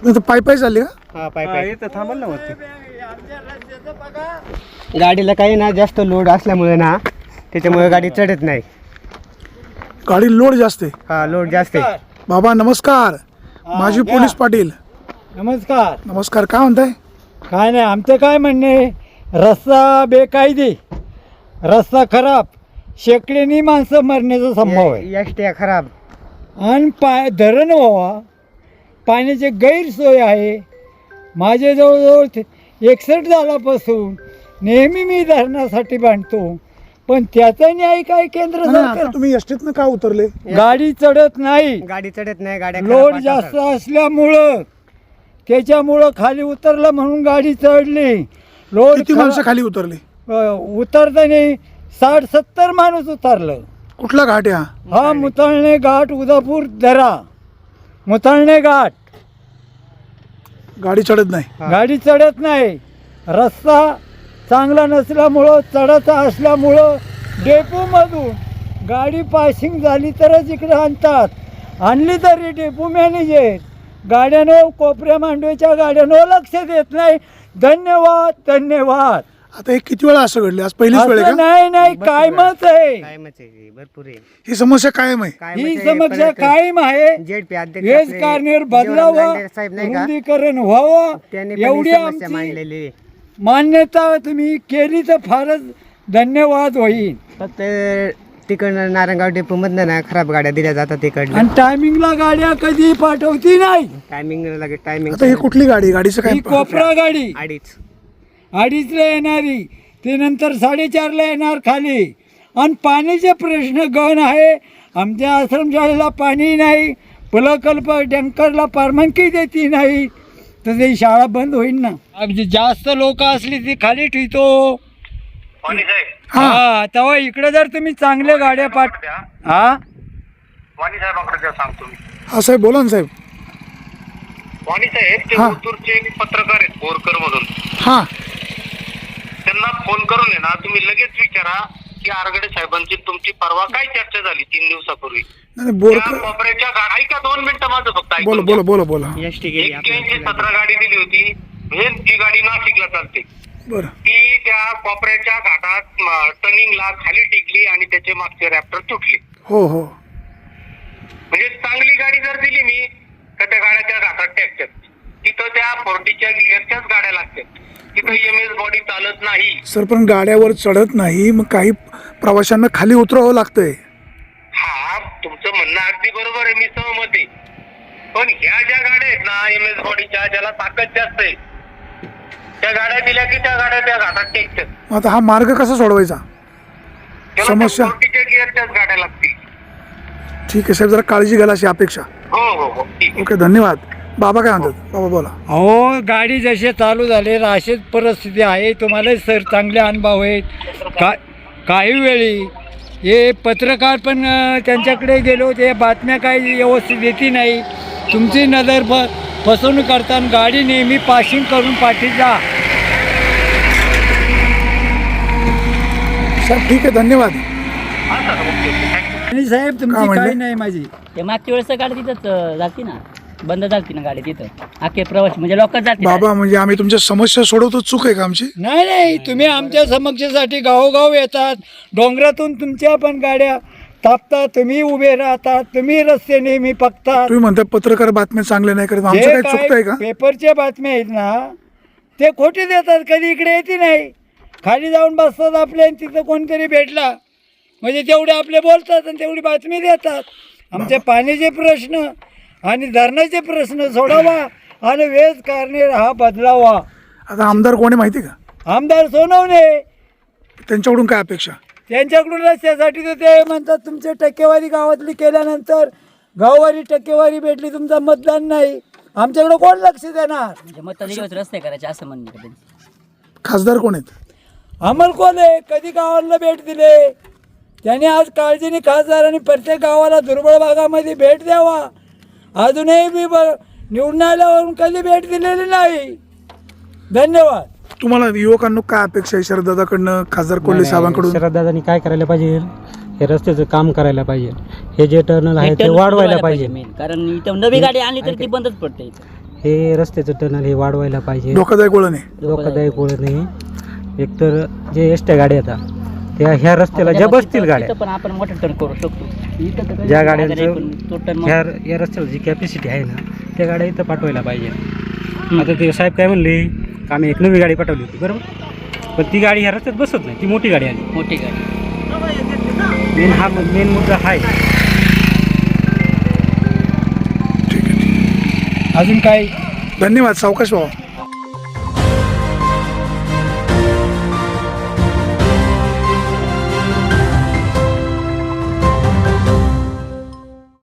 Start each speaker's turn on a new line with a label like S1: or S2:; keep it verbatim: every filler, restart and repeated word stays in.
S1: तर पाय पाय चालले का?
S2: हा पाय पाय इथं थांबल ना वरती. गाडीला काही ना जास्त लोड असल्यामुळे ना त्याच्यामुळे गाडी चढत नाही.
S1: गाडी लोड जास्त आहे.
S2: हा लोड जास्त आहे.
S1: बाबा नमस्कार. माजी पोलीस पाटील
S3: नमस्कार.
S1: नमस्कार. काय म्हणताय?
S3: काय नाही, आमचं काय म्हणणे, रस्ता बेकायदे, रस्ता खराब, शेकड्यानी माणसं मरण्याचा संभव आहे.
S2: एसट्या खराब
S3: आणि पाय धरण व्हावा, पाण्याची गैरसोय आहे. माझे जवळजवळ एकसष्ट झाल्यापासून नेहमी मी धरणासाठी बांधतो, पण त्याचा न्याय काय केंद्र
S1: नाही,
S3: सरकार.
S1: आता तुम्ही एसटीतनं का उतरले?
S3: गाडी चढत नाही,
S2: गाडी चढत नाही. गाड्या
S3: लोड
S2: खराब
S3: जास्त
S2: असतात.
S3: असल्यामुळं, त्याच्यामुळं खाली उतरलं म्हणून गाडी चढली. लोड
S1: किती माणसं खाली उतरले?
S3: उतरताना साठ सत्तर माणूस उतरलं.
S1: कुठला घाट आहे हा?
S3: हा मुताळणे घाट, उदापूर दरा, मुताळणे घाट.
S1: गाडी चढत नाही.
S2: हा.
S3: गाडी चढत नाही. रस्ता चांगला नसल्यामुळं, चढता असल्यामुळं डेपोमधून गाडी पासिंग झाली तरच इकडे आणतात. आणली तरी डेपो मॅनेजर गाड्यानं, कोपऱ्या मांडवीच्या गाड्यानं लक्ष देत नाही. धन्यवाद धन्यवाद.
S1: आता हे किती वेळा असं घडले? आज पहिलीच वेळ आहे
S3: असं
S1: का?
S3: नाही नाही, कायमच आहे
S2: कायमच आहे, भरपूर आहे.
S1: ही समस्या कायम आहे.
S2: कायमच
S3: ही
S2: आहे.
S3: समस्या
S2: परत
S3: कायम आहे.
S2: जेडपी अध्यक्ष
S3: हेच
S2: आपले
S3: कारनेर
S2: जीवराम
S3: बदलावा,
S2: लांडे साहेब नाही का,
S3: रुंदीकरण व्हावं,
S2: त्यांनी पण
S3: एवढी
S2: ही समस्या
S3: आमची
S2: मांडलेली आहे.
S3: मान्यता तुम्ही केली तर फारच धन्यवाद होईल.
S2: फक्त तिकडनं नारायणगाव डेपो मधनं ना खराब गाड्या दिल्या जातात तिकडनं.
S3: आणि टायमिंगला गाड्या कधी पाठवती नाही.
S2: टायमिंग लागेल. टायमिंग
S1: आता ही कुठली गाडी? गाडीचं काय?
S3: ही कोपरा गाडी
S2: अडीच
S3: अडीचला येणारी, ते नंतर साडेचारला येणार खाली. आणि पाण्याचे प्रश्न गण आहे. आमच्या आश्रमशाळेला पाणी नाही, प्रकल्प टँकरला परवानगी देती नाही, तर ते शाळा बंद होईल ना. अगदी जास्त लोक असली ती खाली ठेवतो. हा, तेव्हा इकडे जर तुम्ही चांगल्या गाड्या पाठ हा
S4: वाणी साहेबांकडे द्या सांगतो मी.
S1: हा साहेब बोला ना साहेब.
S4: वाणी साहेब ते
S1: हा.
S4: ओतूरचे पत्रकार आहेत बोरकर मधून.
S1: हा
S4: त्यांना फोन करून आहे ना तुम्ही लगेच विचारा की आरगडे साहेबांची तुमची परवा काय चर्चा झाली तीन दिवसापूर्वी.
S1: नाही
S4: त्या
S1: बोरकर
S4: कोपऱ्याच्या गा- ऐका दोन मिनिटं माझं फक्त ऐकून
S1: बोला
S4: घ्या.
S1: बोला बोला बोला.
S2: एसटी गेली
S4: एक्क्याऐंशी सतरा गाडी दिली होती. हे जी गाडी नाशिकला चालते
S1: बरं.
S4: ती त्या कोपऱ्याच्या घाटात टर्निंगला खाली टेकली आणि त्याचे मागचे रॅप्टर तुटले.
S1: हो हो.
S4: म्हणजे चांगली गाडी जर दिली मी तर त्या गाड्या त्या घाटात टेकतात. तिथं त्या फोर्टीच्या गिअरच्याच गाड्या लागतात. तिथं एम एस बॉडी चालत नाही.
S1: सर पण गाड्यावर चढत नाही, मग काही प्रवाशांना खाली उतरावं लागतंय.
S4: हा तुमचं म्हणणं अगदी बरोबर आहे, मी सहमत आहे. पण ह्या ज्या गाड्या आहेत ना एम एस बॉडीच्या, ज्याला ताकद जास्त आहे, त्या गाड्या दिल्या की त्या गाड्या त्या घाटात टेकतात.
S1: मग आता हा मार्ग कसा सोडवायचा?
S4: त्याला
S1: समस्या?
S4: त्या फोर्टीच्या गिअरच्याच गाड्या लागतील.
S1: ठीक आहे साहेब, जरा काळजी घ्यायला अशी अपेक्षा.
S4: हो हो हो ठीक आहे.
S1: ओके धन्यवाद. बाबा काय म्हणतात? बाबा बोला.
S3: अहो, गाडी जसे चालू झाले अशीच परिस्थिती आहे. तुम्हाला सर चांगले अनुभव आहेत. का काही वेळी हे पत्रकार पण अ, त्यांच्याकडे गेलो, ते बातम्या काही व्यवस्थित येते नाही. तुमची नजर फ फसवणूक करताना गाडी नेहमी पासिंग करून पाठी जा.
S1: साहेब ठीक आहे धन्यवाद.
S4: हा सर ओके ओके थँक्यू.
S3: आणि साहेब
S1: का
S3: तुमची
S1: म्हणले?
S3: काही नाही माझी.
S5: ते मागच्या वेळेस गाडी तिथंच जाती ना, बंद झाली ना गाडी तिथं. अख्खे प्रवासी म्हणजे लोक जाते.
S1: बाबा म्हणजे आम्ही तुमच्या समस्या सोडवतो, चूक आहे का आमची?
S3: नाही नाही, तुम्ही आमच्या समक्षासाठी गावोगाव येतात. डोंगरातून तुमच्या पण गाड्या तापतात, तुम्ही उभे राहतात, तुम्ही रस्ते नेहमी पकतात.
S1: तुम्ही म्हणता पत्रकार बातम्या चांगल्या नाही करत, आमचं
S3: जे
S1: काय चुकतंय का?
S3: पेपरच्या बातम्या आहेत ना ते खोटे देतात, कधी इकडे येते नाही. खाली जाऊन बसतात आपले, आणि तिथं कोणतरी भेटला म्हणजे तेवढे आपले बोलतात आणि तेवढी बातमी देतात. आमचे पाण्याचे प्रश्न आणि धरणाचे प्रश्न सोडावा आणि वेज कारणे हा बदलावा.
S1: आता आमदार कोणी माहिती का?
S3: आमदार सोनवणे,
S1: त्यांच्याकडून काय अपेक्षा?
S3: त्यांच्याकडून रस्त्यासाठी तर ते म्हणतात तुमची टक्केवारी गावातली केल्यानंतर गाववारी टक्केवारी भेटली, तुमचं मतदान नाही. आमच्याकडे कोण लक्ष देणार?
S5: म्हणजे मतदान रस्ते करायचे असं म्हणणं आहे त्यांचं.
S1: खासदार कोण आहेत?
S3: अमल कोल्हे कधी गावाला भेट दिले त्याने? आज काळजीने खासदारांनी प्रत्येक गावाला दुर्बळ भागामध्ये भेट द्यावा. अजूनही मी ब निवडून आल्यावरून कधी भेट दिलेली नाही. धन्यवाद.
S1: तुम्हाला युवकांना काय अपेक्षा आहे शरददादाकडनं, खासदार कोल्हे साहेबांकडून?
S6: शरददादांनी काय करायला पाहिजे, हे रस्त्याचं काम करायला पाहिजे. हे जे टर्नल आहे ते वाढवायला पाहिजे.
S5: main. कारण इथं नवी गाडी आणली तर ती बंदच पडते.
S6: हे रस्त्याचं टनल हे वाढवायला पाहिजे.
S1: धोकादायक वळण आहे.
S6: धोकादायक वळण नाही. एकतर जे एस ट्या गाड्या येतात त्या ह्या रस्त्याला ज्या बसतील गाड्या,
S5: तिथं पण आपण मोठं टर्न करू शकतो. इथं तर काही
S6: ज्या
S5: जागा
S6: गाड्यांचं
S5: नाही, पण तो turn
S6: ह्या या रस्त्याला जी कॅपॅसिटी आहे ना त्या गाड्या इथं पाठवायला पाहिजे. आता ते साहेब काय म्हणले, आम्ही एक नवी गाडी पाठवली होती बरोबर, पण ती गाडी ह्या रस्त्यात बसत नाही, ती मोठी गाडी आली.
S5: मोठी गाडी
S6: मेन हा मेन मुद्दा हा आहे.
S3: अजून काय
S1: धन्यवाद. सावकाश भाऊ.